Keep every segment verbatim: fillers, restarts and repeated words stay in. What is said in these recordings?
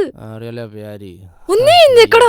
അറിയാലോ പ്യാരി. ഒന്നേ എഴുന്നേക്കടാ.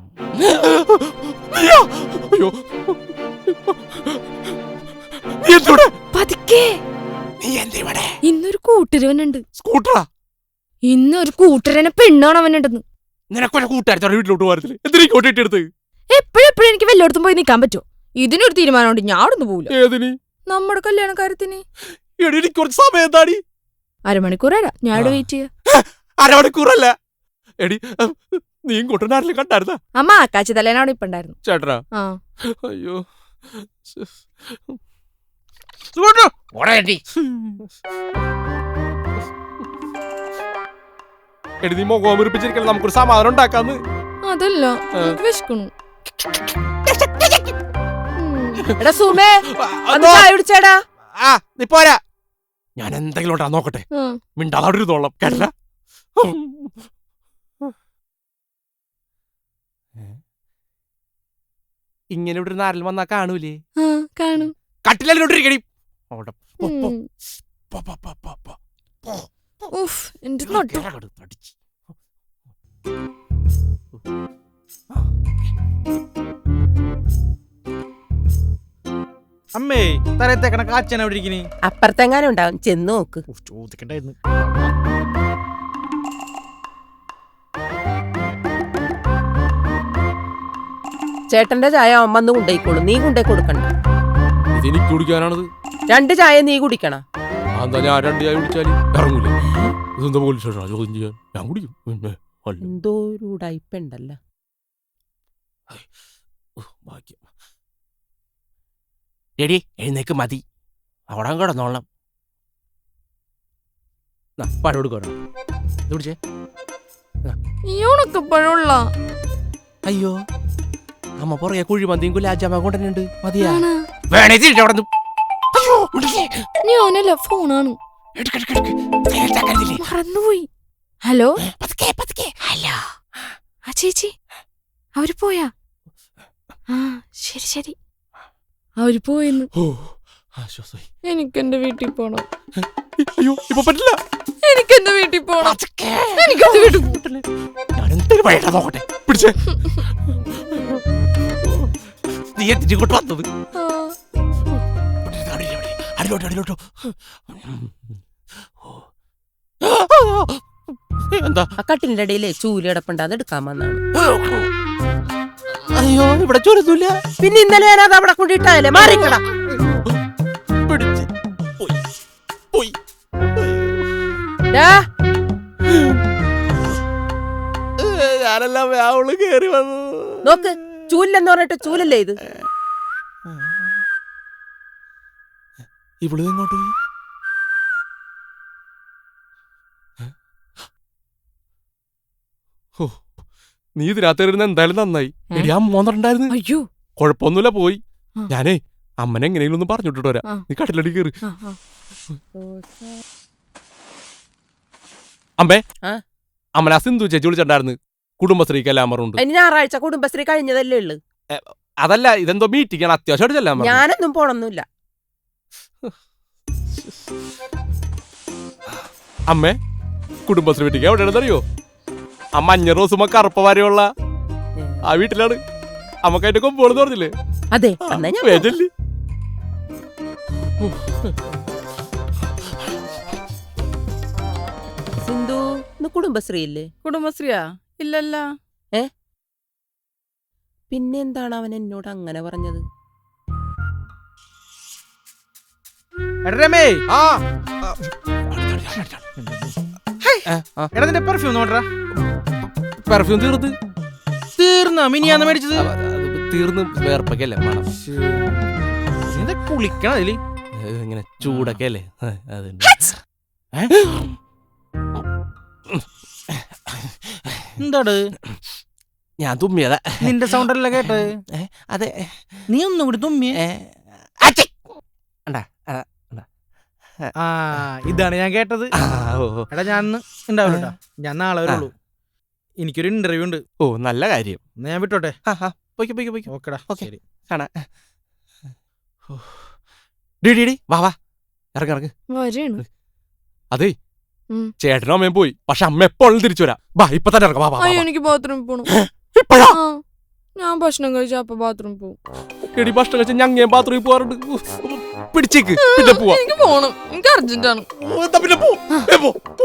പതുക്കെ. ഇന്നൊരു കൂട്ടുരവനുണ്ട്. സ്കൂട്ടറാ? ഇന്നൊരു കൂട്ടുരനെ പെണ്ണാണ് അവനുണ്ടെന്ന്. നിനക്കൊരു കൂട്ടുകാരി വീട്ടിലോട്ട് പോകാറില്ല. എന്തിനാ കോട്ടിട്ടെടുത്ത്? എപ്പോഴെപ്പോഴും എനിക്ക് വല്ലോടത്തും പോയി നിൽക്കാൻ പറ്റുമോ? ഇതിനൊരു തീരുമാനമുണ്ട്, ഞാൻ അവിടെ പോകില്ല. ഏതിന്? നമ്മുടെ കല്യാണ കാര്യത്തിന്. കുറച്ച് സമയം എന്താടി? അരമണിക്കൂറാ ഞാൻ ഇവിടെ വെയിറ്റ് ചെയ്യാ. അരമണിക്കൂറല്ല എടി, നീ കൂട്ടനാട്ടിൽ കണ്ടായിരുന്ന? അമ്മ ആക്കാച്ചി തലേനവിടെ ഇപ്പൊ ഉണ്ടായിരുന്നു. ചേട്ടനാ? ആ. അയ്യോ എടി, നീ മുഖം മുറിപ്പിച്ചിരിക്കണം, നമുക്കൊരു സമാധാനം ഉണ്ടാക്കാന്ന്. അതല്ല, വിശക്കണു. എടാ സുമേ, ചായ കുടിച്ചേടാ. ആ നീ പോരാ, ഞാൻ എന്തെങ്കിലും ഉണ്ടാ നോക്കട്ടെ. മിണ്ടാതിരുന്നോളാം കേട്ട. ഇങ്ങനെ ഇവിടെ ഒരു നാരൽ വന്നാ കാണൂലേ? കാണും. കട്ടിലോട്ടിരിക്കണി. അമ്മേ, തലത്തേക്കണ കാച്ചന എവിടെ ഇരിക്കണേ? അപ്പുറത്തെങ്ങാനും ഉണ്ടാവും, ചെന്ന് നോക്ക്. ചോദിക്കണ്ടായിരുന്നു. ചേട്ടന്റെ ചായ അവൻ വന്ന് കൊണ്ടേക്കോളൂ, നീ കൊണ്ടേ കൊടുക്കണ്ട. ഇതെനിക്ക് കുടിക്കാനാണത്. രണ്ട് ചായ നീ കുടിക്കണ. എന്താ ഞാൻ രണ്ട് ചായ കുടിച്ചാല് ഇറങ്ങൂലേ? ഇതെന്താ പോലീസ് സ്റ്റേഷനാ ചോദ്യം ചെയ്യാൻ? ഞാൻ കുടിക്കും. എന്തോ ഒരു ഉടായിപ്പുണ്ടല്ലോ. എടി എഴുന്നേക്ക്, മതി, അവിടെ കിടന്നോളാം. പഴം കൊടുക്കണം. കുടിച്ചേ. അയ്യോ, അമ്മ പുറകെ കുഴിമന്തിയും ഗുലാജാമ കൊണ്ടുണ്ട്. മതിയാ? വേണേ അവിടെ. ഞാനല്ല, ഫോണാണ്. മറന്നുപോയി. Hello hello. ആ ചേച്ചി, അവര് പോയാ? ആ ശരി ശരി, അവര് പോയെന്ന്. എനിക്കെന്റെ വീട്ടിൽ പോണം. അയ്യോ ഇപ്പൊ പറ്റില്ല. എനിക്കെന്റെ വീട്ടിൽ പോണം. എനിക്കെന്റെ വീട്ടിൽ പോകണ്ടല്ലേ. ഞാൻ എന്തൊരു വഴിയാ നോക്കട്ടെ. പിടിച്ചേ. നീ എത്തിട്ട് വന്നത് അടിലോട്ടോ അടിലോട്ടോ. എന്താ? ആ കട്ടിലിന്റെ ഇടയിലേ ചൂല് കിടപ്പുണ്ട്, അത് എടുക്കാൻ വന്നാണ്. അയ്യോ ഇവിടെ ചൂരൊന്നുമില്ല. പിന്നെ ഇന്നലെ ഞാനത് അവിടെ കൊണ്ടിട്ടല്ലേ, മാറിക്കട. പിടിച്ച് പോയി പോയി. ഞാനെല്ലാം അവള് കേറി വന്നു. നോക്ക്, ചൂലെന്ന് പറഞ്ഞിട്ട് ചൂലല്ലേ ഇത്. ഇവള് എങ്ങോട്ട് പോയി? നീ ഇതിനകത്തിരുന്ന് എന്തായാലും നന്നായി. എടി, അമ്മ വന്നിട്ടുണ്ടായിരുന്നു. അയ്യോ കൊഴപ്പൊന്നുമില്ല, പോയി. ഞാനേ അമ്മനെ എങ്ങനെയെങ്കിലും ഒന്ന് പറഞ്ഞിട്ട് വരാം. നീ കട്ടിലടി കയറി. അമ്മേ, അമ്മനെ ആ സിന്ധു ചേച്ചി വിളിച്ചിട്ടുണ്ടായിരുന്നു. കുടുംബശ്രീക്ക് എല്ലാം പറഞ്ഞുണ്ട്. ഞായറാഴ്ച കുടുംബശ്രീ കഴിഞ്ഞതല്ലേ ഉള്ളു. അതല്ല, ഇതെന്തോ മീറ്റിംഗ് ആണ്, അത്യാവശ്യമായിട്ട്. ഞാനൊന്നും പോണൊന്നുമില്ല. അമ്മേ, കുടുംബശ്രീ മീറ്റിംഗ് എവിടെയാണെന്നറിയോ? ആ മഞ്ഞ റോസുമ കറുപ്പ വരെയുള്ള ആ വീട്ടിലാണ്. അമ്മക്കായിട്ട് കൊമ്പോളെന്ന് പറഞ്ഞില്ലേ? അതെ. സിന്ധു, കുടുംബശ്രീ ഇല്ലേ? കുടുംബശ്രീയാ? ഇല്ലല്ല. ഏ പിന്നെന്താണ് അവൻ എന്നോട് അങ്ങനെ പറഞ്ഞത്? പെർഫ്യൂം തീർന്ന് തീർന്ന മിനിയാന്ന് മേടിച്ചത് തീർന്ന് വേർപ്പൊക്കെയല്ലേ മണം. കുളിക്കണം അതില് ഇങ്ങനെ ചൂടൊക്കെ അല്ലേ. എന്താട്? ഞാൻ തുമ്മിയതാ. നിന്റെ സൗണ്ട് അല്ല കേട്ടത്. അതെ, നീ ഒന്നും കൂടി തുമ്മിയേ. ആ ഇതാണ് ഞാൻ കേട്ടത്. എടാ ഞാൻ ഉണ്ടാവില്ല, ഞാൻ നാളെ വരുള്ളൂ. എനിക്കൊരു ഇന്റർവ്യൂ ഉണ്ട്. ഓ നല്ല കാര്യം. ഞാൻ വിട്ടോട്ടെ. ഓക്കെടാ, ശരി, കാണാ. ഡി ഡി ഡി വാ വാ, ഇറങ്ങി ഇറങ്ങ്. വരെയാണ്. അതെ, ഉം. ചേട്ടനും അമ്മയും പോയി. പക്ഷെ അമ്മ എപ്പോഴും തിരിച്ചു വരാം. ബാ ഇപ്പൊ തന്നെ ഇറങ്ങാം. വാ, വാ, വാ, അയ്യോ വാ. എനിക്ക് ബാത്റൂമിൽ പോണം. ഇപ്പഴാ? ആ, ഞാൻ ഭക്ഷണം കഴിച്ച അപ്പൊ ബാത്റൂമിൽ പോകും. എടി ഭക്ഷണം കഴിച്ച ഞങ്ങ ബാത്റൂമിൽ പോവാറുണ്ട്. പിടിച്ചേക്ക് പിന്നെ പോവാ. എനിക്ക് പോണം, എനിക്ക് അർജന്റ് ആണ്. ഓ, എന്നാ പിന്നെ പോ. ഏ, പോ, പോ.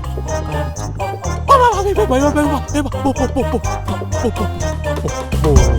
വാ, വാ, വാ, വേ, വേ, വേ, വേ, വേ, വാ, വേ, വാ, പോ, പോ, പോ, പോ, പോ, പോ, പോ, പോ.